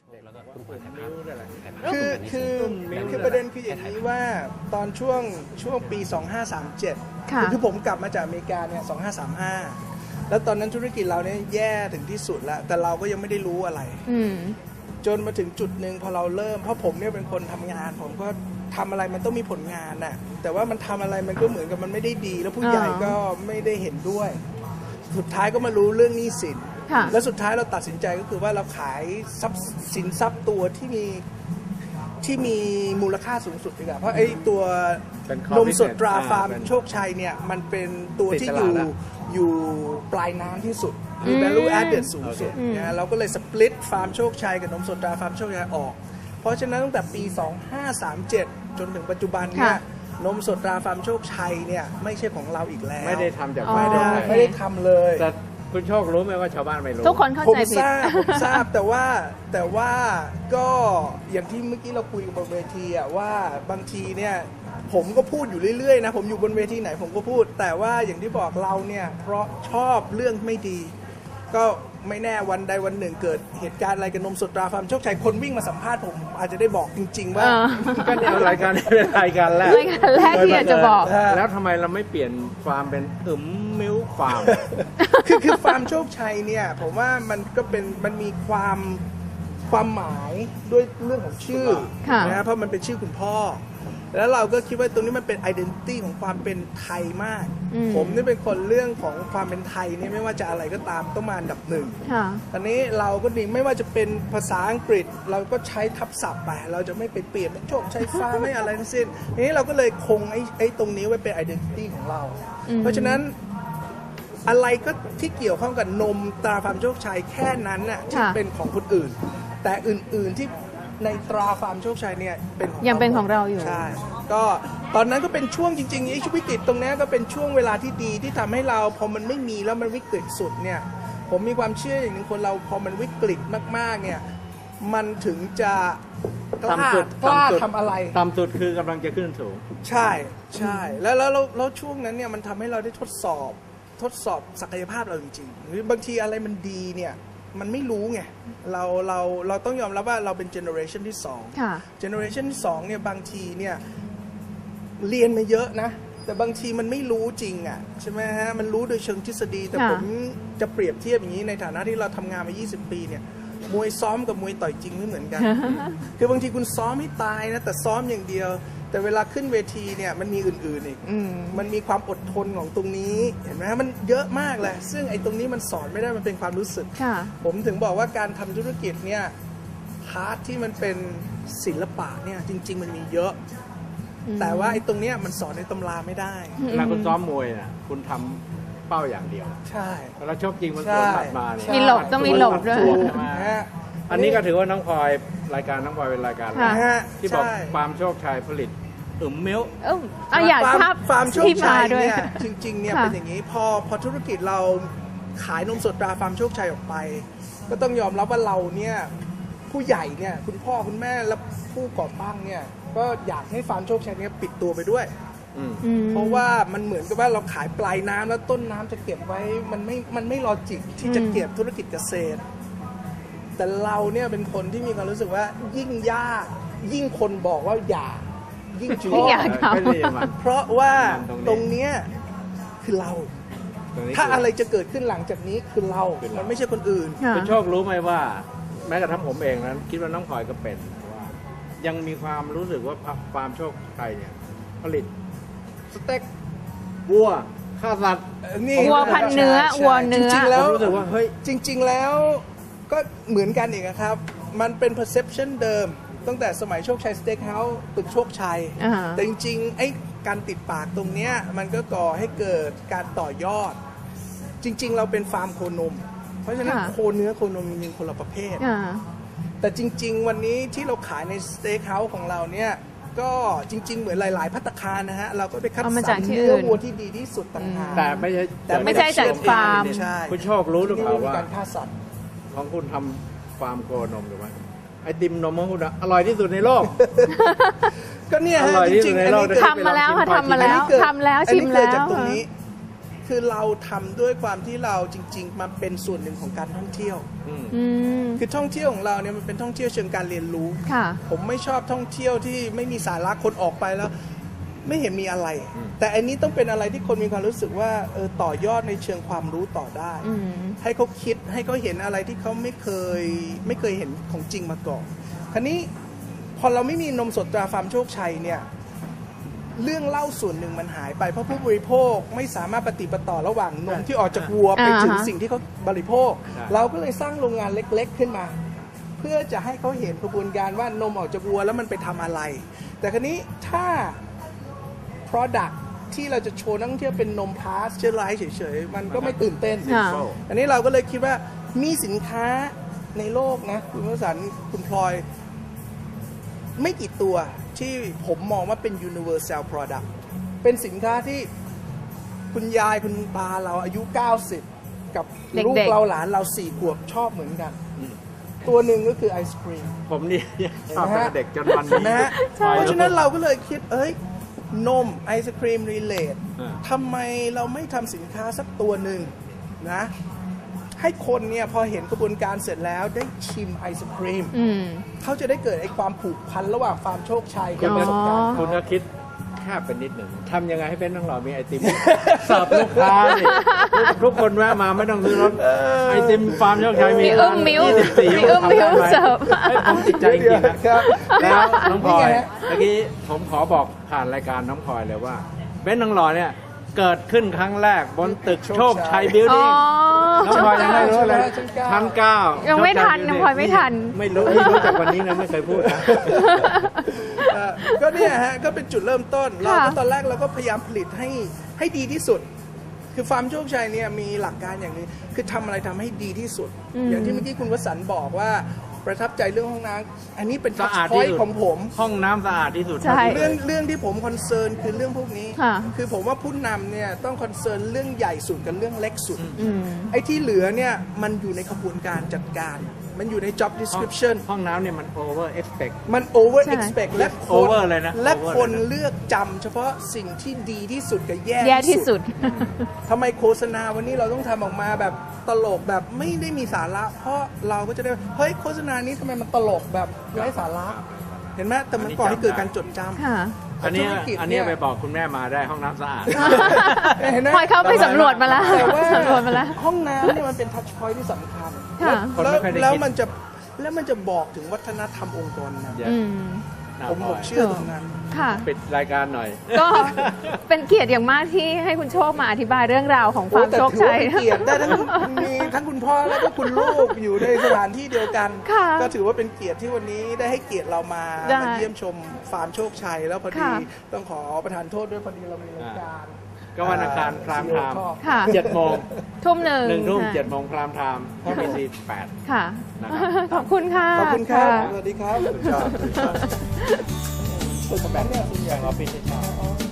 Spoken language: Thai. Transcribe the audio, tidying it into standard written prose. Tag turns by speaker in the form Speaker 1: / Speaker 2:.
Speaker 1: แล้วก็คุณผ่านมิ้วด้วยแหละ
Speaker 2: คือประเด็นคืออย่างนี้ว่าตอนช่วงปี 2537 คือผมกลับมาจากอเมริกาเนี่ย 2535 แล้วตอนนั้นธุรกิจเราเนี่ยแย่ถึงที่สุดแล้วแต่เราก็ยังไม่ได้รู้อะไรจนมาถึงจุดหนึ่งพอเราเริ่มเพราะผมเนี่ยเป็นคนทำงานผมก็ทำอะไรมันต้องมีผลงานน่ะแต่ว่ามันทำอะไรมันก็เหมือนกับมันไม่ได้ดีแล้วผู้ใหญ่ก็ไม่ได้เห็นด้วยสุดท้ายก็มารู้เรื่องหนี้สินแล้วสุดท้ายเราตัดสินใจก็คือว่าเราขายสินทรัพย์ตัวที่มีมูลค่าสูงสุดดีกว่าเพราะไอ้ตัวนมสดตราฟาร์มโชคชัยเนี่ยมันเป็นตัวที่อยู่ปลายน้ำที่สุดมี value added สูงสุดนะเราก็เลยสปลิตฟาร์มโชคชัยกับนมสดตราฟาร์มโชคชัยออกเพราะฉะนั้นตั้งแต่ปี 2537 จนถึงปัจจุบันเนี่ยนมสดตราฟาร์มโชคชัยเนี่ยไม่ใช่ของเราอีกแล้ว
Speaker 1: ไม่ได้ทำจาก
Speaker 2: ไม่ได้ทำเลย
Speaker 1: แต่คุณโชครู้ไหมว่าชาวบ้านไม่รู้
Speaker 3: ทุกคนเข้าใจผิด
Speaker 2: ผมทราบแต่ว่าก็อย่างที่เมื่อกี้เราคุยกันบนเวทีอะว่าบางทีเนี่ยผมก็พูดอยู่เรื่อยๆนะผมอยู่บนเวทีไหนผมก็พูดแต่ว่าอย่างที่บอกเราเนี่ยเพราะชอบเรื่องไม่ดีก็ไม่แน่วันใดวันหนึ่งเกิดเหตุการณ์อะไรกับนมสดตราฟาร์มโชคชัยคนวิ่งมาสัมภาษณ์ผมอาจจะได้บอกจริงๆว่า
Speaker 1: ก็เนี่ยรายการนี้เป็นรายการแรก
Speaker 3: ที่อยากจะบอก
Speaker 1: แล้วทำไมเราไม่เปลี่ยนฟาร์มเป็นมิ้วฟาร์ม
Speaker 2: คือฟาร์มโชคชัยเนี่ยผมว่ามันก็เป็นมันมีความหมายด้วยเรื่องของชื่อนะเพราะมันเป็นชื่อคุณพ่อแล้วเราก็คิดว่าตรงนี้มันเป็น identity ของความเป็นไทยมากผมนี่เป็นคนเรื่องของความเป็นไทยนี่ไม่ว่าจะอะไรก็ตามต้องมาอันดับหนึ่งตอนนี้เราก็ดีไม่ว่าจะเป็นภาษาอังกฤษเราก็ใช้ทับศัพท์ไปเราจะไม่ไปเปลี่ยนเป็นโชคชัยฟ้าไม่อะไรทั้งสิ้นทีนี้เราก็เลยคงไอ้ตรงนี้ไว้เป็น identity ของเราเพราะฉะนั้นอะไรก็ที่เกี่ยวข้องกับนมตราฟาร์มโชคชัยแค่นั้นน่ะที่เป็นของคนอื่นแต่อื่นๆที่ในตราฟาร์มโชคชัยเนี่ย
Speaker 3: ยังเป็นของเราอยู่
Speaker 2: ใช่ก็ตอนนั้นก็เป็นช่วงจริงๆไอ้ช่วงวิกฤตตรงนี้ก็เป็นช่วงเวลาที่ดีที่ทำให้เราพอมันไม่มีแล้วมันวิกฤตสุดเนี่ยผมมีความเชื่ออย่างหนึ่งคนเราพอมันวิกฤตมากๆเนี่ยมันถึงจะกล้าทำอะไร
Speaker 1: ต่ำสุดคือกำลังจะขึ้นสูง
Speaker 2: ใช่แล้วช่วงนั้นเนี่ยมันทำให้เราได้ทดสอบศักยภาพเราจริงๆหรือบางทีอะไรมันดีเนี่ยมันไม่รู้ไงเราต้องยอมรับว่าเราเป็นเจเนอเรชันที่2เจเนอเรชันที่2เนี่ยบางทีเนี่ยเรียนมาเยอะนะแต่บางทีมันไม่รู้จริงอ่ะใช่ไหมฮะมันรู้โดยเชิงทฤษฎีแต่ผมจะเปรียบเทียบอย่างนี้ในฐานะที่เราทำงานมา20 ปีเนี่ยมวยซ้อมกับมวยต่อยจริงไม่เหมือนกันคือบางทีคุณซ้อมให้ตายนะแต่ซ้อมอย่างเดียวแต่เวลาขึ้นเวทีเนี่ยมันมีอื่นๆอีกมันมีความอดทนของตรงนี้เห็นไหมฮะมันเยอะมากเลยซึ่งไอ้ตรงนี้มันสอนไม่ได้มันเป็นความรู้สึกผมถึงบอกว่าการทำธุรกิจเนี่ยพาร์ทที่มันเป็นศิลปะเนี่ยจริงๆมันมีเยอะแต่ว่าไอ้ตรงเนี้ยมันสอนในตำราไม่ได้
Speaker 1: เวลาคุณซ้อมมวยน่ะคุณทำเป้าอย่างเดียว
Speaker 2: ใช่
Speaker 1: แล้วชกจริงมันสวนหมัดมาเนี่ย
Speaker 3: มีหลบต้องมีหลบด้วย
Speaker 1: อันนี้ก็ถือว่าน้องพลอยรายการน้องพลอยเป็นรายการที่บอกฟาร์มโชคชัยผลิตมิ้ว
Speaker 3: อยากทราบ
Speaker 2: ฟาร์มโชคชัยเนี่ยจริงๆเนี่ยเป็นอย่างนี้พอธุรกิจเราขายนมสดตราฟาร์มโชคชัยออกไปก็ต้องยอมรับว่าเราเนี่ยผู้ใหญ่เนี่ยคุณพ่อคุณแม่และผู้ก่อตั้งเนี่ยก็อยากให้ฟาร์มโชคชัยเนี่ยปิดตัวไปด้วยเพราะว่ามันเหมือนกับว่าเราขายปลายน้ำแล้วต้นน้ำจะเก็บไว้มันไม่ลอจิกที่จะเก็บธุรกิจเกษตรแต่เราเนี่ยเป็นคนที่มีความรู้สึกว่ายิ่งยากยิ่งคนบอกว่าอย่ายิ่งชอบเพราะว่าตรงเนี้ยคือเราถ้าอะไรจะเกิดขึ้นหลังจากนี้คือเรามันไม่ใช่คนอื่น
Speaker 1: คุณโชครู้ไหมว่าแม้กระทั่งผมเองนั้นคิดว่าน้องพลอยก็เป็นว่ายังมีความรู้สึกว่าฟาร์มโชคชัยเนี่ยผลิตสเต็กวัวข้าวสัตว์
Speaker 3: วัวพันเนื้อวัวเนื้อ
Speaker 2: จริงๆแล้ว
Speaker 1: รู้สึกว่าเฮ้ย
Speaker 2: จริงๆแล้วก็เหมือนกันอีกครับมันเป็น perception เดิมตั้งแต่สมัยโชคชัยสเต็กเฮาส์ตึกโชคชัยแต่จริงๆไอ้การติดปากตรงเนี้ยมันก็ก่อให้เกิดการต่อยอดจริงๆเราเป็นฟาร์มโคนมเพราะฉะนั้นโคเนื้อโคนมมีคนละประเภทแต่จริงๆวันนี้ที่เราขายในสเต็กเฮาส์ของเราเนี่ยก็จริงๆเหมือนหลายๆภัตตาคารนะฮะเราก็ไปคัดสรรเนื้อวัวที่ดีที่สุดต่างหาก
Speaker 1: แต่
Speaker 3: ไม่ใช่จากฟาร์ม
Speaker 1: คุณโชครู้หรือเปล่าว่า
Speaker 2: การฆ่าสัตว์
Speaker 1: ของคุณทำฟาร์มโคนมหรือไม่ไอติมนมของคุณอร่อยที่สุดในโลก
Speaker 2: ก็เนี่ยฮะจริงๆ
Speaker 3: ทำมาแล้วค่ะทำมาแล้วชิมแล้ว
Speaker 2: จากตรงนี้คือเราทำด้วยความที่เราจริงๆมาเป็นส่วนหนึ่งของการท่องเที่ยว
Speaker 3: อืม
Speaker 2: คือท่องเที่ยวของเราเนี่ยมันเป็นท่องเที่ยวเชิงการเรียนรู้
Speaker 3: ค่ะ
Speaker 2: ผมไม่ชอบท่องเที่ยวที่ไม่มีสาระคนออกไปแล้ว ไม่เห็นมีอะไร แต่อันนี้ต้องเป็นอะไรที่คนมีความรู้สึกว่าต่อยอดในเชิงความรู้ต่อได้
Speaker 3: อืม
Speaker 2: ให้เขาคิดให้เขาเห็นอะไรที่เขาไม่เคยเห็นของจริงมาก่อน คราวนี้พอเราไม่มีนมสดตราฟาร์มโชคชัยเนี่ยเรื่องเล่าส่วนหนึ่งมันหายไปเพราะผู้บริโภคไม่สามารถปฏิปต่อระหว่างนมที่ออกจากวัวไปถึงสิ่งที่เขาบริโภค เราก็เลยสร้างโรงงานเล็กๆขึ้นมา เพื่อจะให้เขาเห็นกระบวนการว่านมออกจากวัวแล้วมันไปทำอะไร แต่คราวนี้ถ้า product ที่เราจะโชว์นักท่องเที่ยวเป็นนมพาสเจอร์ไลท์เฉยๆมันก็ไม่ตื่นเต้น
Speaker 3: ค่ะ
Speaker 2: อันนี้เราก็เลยคิดว่ามีสินค้าในโลกนะคุณวสันต์คุณพลอย ไม่กี่ตัวที่ผมมองว่าเป็น universal product เป็นสินค้าที่คุณยายคุณตาเราอายุ 90 กับลูก
Speaker 3: เด็กๆ
Speaker 2: เราหลานเรา4 ขวบชอบเหมือนกัน ตัวหนึ่งก็คือไอศครีม
Speaker 1: ผมนี่ชอบตั้งแต่เด็กจนวัน
Speaker 2: เห็นไหม
Speaker 1: นี้
Speaker 2: ฮะเพราะฉะนั้นเราก็เลยคิดนมไอศครีมรีเลท
Speaker 1: อ่า
Speaker 2: ทำไมเราไม่ทำสินค้าสักตัวหนึ่งนะให้คนเนี่ยพอเห็นกระบวนการเสร็จแล้วได้ชิมไอศครีม
Speaker 3: อืม
Speaker 2: เขาจะได้เกิดไอความผูกพันระหว่างฟาร์มโชคชัย
Speaker 1: คุ
Speaker 2: กับ
Speaker 1: ณ
Speaker 2: ประสบการณ์
Speaker 1: คุณก็คิดแค่เป็นนิดหนึ่งทำยังไงให้เป็นต้องหล่อมีไอติมเสิร์ฟลูกค้าดิทุกคนแวะมาไม่ต้องซื้อรถไอติมฟาร์มโชคชัยมี
Speaker 3: มีอึ้มมิ้ว
Speaker 1: 24
Speaker 3: มีอึ้มมิ้ว
Speaker 1: ทำได้ไห
Speaker 3: เสิร์ฟ
Speaker 1: ฮ้ยผมติดใจจริงๆนะครับ แล้วน้องพลอย
Speaker 2: นี่ไงฮะ
Speaker 1: เมื่อกี้ผมขอบอกผ่านรายการน้องพลอยเลยว่าเบ้นน้องหล่อเนี่ยเกิดขึ้นครั้งแรกบนตึกโชคชัยบิล
Speaker 3: อ๋อ
Speaker 1: ดิ้งน้องพลอยยังไม่รู้เลย
Speaker 2: ชั้น
Speaker 1: ชั้น 9
Speaker 3: ยังไม่ทัน
Speaker 1: โชคชั
Speaker 3: น้องพลอยไม่ทัน
Speaker 1: ไม่รู้จากวันนี้นะไม่เคยพูดนะ
Speaker 2: ก็เนี่ยฮะก็เป็นจุดเริ่มต้นเรา
Speaker 3: ค่ะ
Speaker 2: ก็ตอนแรกเราก็พยายามผลิตให้ดีที่สุด คือฟาร์มโชคชัยเนี่ยมีหลักการอย่างนี้คือทำอะไรทำให้ดีที่สุด อย่างที่เมื่อกี้คุณวสันต์บอกว่าประทับใจเรื่องห้องน้ำอันนี้เป็นทั
Speaker 1: สะ
Speaker 2: ช
Speaker 1: อาด
Speaker 2: พอ
Speaker 1: ที่
Speaker 2: ย
Speaker 1: สุด
Speaker 2: ของผม
Speaker 1: ห้องน้ำสะอาดที่สุด
Speaker 3: ใช่
Speaker 2: เรื่องที่ผมคอนเซิร์นคือเรื่องพวกนี้
Speaker 3: ค่ะ
Speaker 2: คือผมว่าผู้นำเนี่ยต้องคอนเซิร์นเรื่องใหญ่สุดกับเรื่องเล็กสุด
Speaker 3: อืม
Speaker 2: ไอ้ที่เหลือเนี่ยมันอยู่ในกระบวนการจัดการ มันอยู่ใน job description
Speaker 1: ห้องน้ำเนี่ยมัน over expect
Speaker 2: มัน over
Speaker 3: ใช่
Speaker 2: expect และคน
Speaker 1: over เลยนะ
Speaker 2: และ
Speaker 1: over
Speaker 2: คน
Speaker 1: เลยนะ
Speaker 2: เลือกจำเฉพาะสิ่งที่ดีที่สุดกับแย่
Speaker 3: แย่ที่สุด
Speaker 2: ทำไมโฆษณาวันนี้เราต้องทำออกมาแบบตลกแบบไม่ได้มีสาระ เพราะเราก็จะได้เฮ้ยโฆษณานี้ทำไมมันตลกแบบไร้สาระ เห็นไหมแต่มันก่อให้เกิดการจดจำ
Speaker 3: ค่ะ
Speaker 1: อันนี้
Speaker 2: ธุรกิจ
Speaker 1: อันนี้
Speaker 2: เนี่ย
Speaker 1: ไปบอกคุณแม่มาได้ห้องน้ำสะอาด
Speaker 2: เห็นไหม
Speaker 3: พลอยเข้าไปสำรวจมาแล้ว
Speaker 2: แต่ว่า
Speaker 3: สำรวจมาแล้ว
Speaker 2: ห้องน้ำเนี่ยมันเป็นทัชพอยท์ที่สำคัญ
Speaker 3: ค่ะ
Speaker 1: คนไม่ค่อยได้คิด
Speaker 2: แล้วมันจะบอกถึงวัฒนธรรมองค์กรนะ
Speaker 3: อืม
Speaker 2: ผมเชื่อตรงนั้น
Speaker 3: ค่ะ
Speaker 1: ปิดรายการหน่อย
Speaker 3: ก็เป็นเกียรติอย่างมากที่ให้คุณโชคมาอธิบายเรื่องราวของฟาร์มโชคชัย
Speaker 2: โอ้แต่ถือว่าเป็นเกียรติได้มีทั้งคุณพ่อแล้วก็คุณลูกอยู่ในสถานที่เดียวกัน
Speaker 3: ค่ะ
Speaker 2: ก็ถือว่าเป็นเกียรติที่วันนี้ได้ให้เกียรติเรามา
Speaker 3: ได้
Speaker 2: เยี่ยมชมฟาร์มโชคชัย แล้วพอดี
Speaker 3: ค่ะ
Speaker 2: ต้องขอประทานโทษด้วยพอดีเรามีรายการ
Speaker 1: ก็วันอังคารพรามไทม์
Speaker 3: ค่ะ
Speaker 1: 7 โมง
Speaker 3: ทุ่มหนึ่ง
Speaker 1: 1 ทุ่ม
Speaker 3: ค่ะ
Speaker 1: 7 โมงพรามไทม์ที่มีซี8
Speaker 3: ค่ะ
Speaker 1: นะครับ
Speaker 3: ขอบคุณค่ะ
Speaker 2: ขอบคุณครับ
Speaker 3: ะ
Speaker 2: สวัสดีครับ
Speaker 1: แบ่งออฟฟิศให้เช่า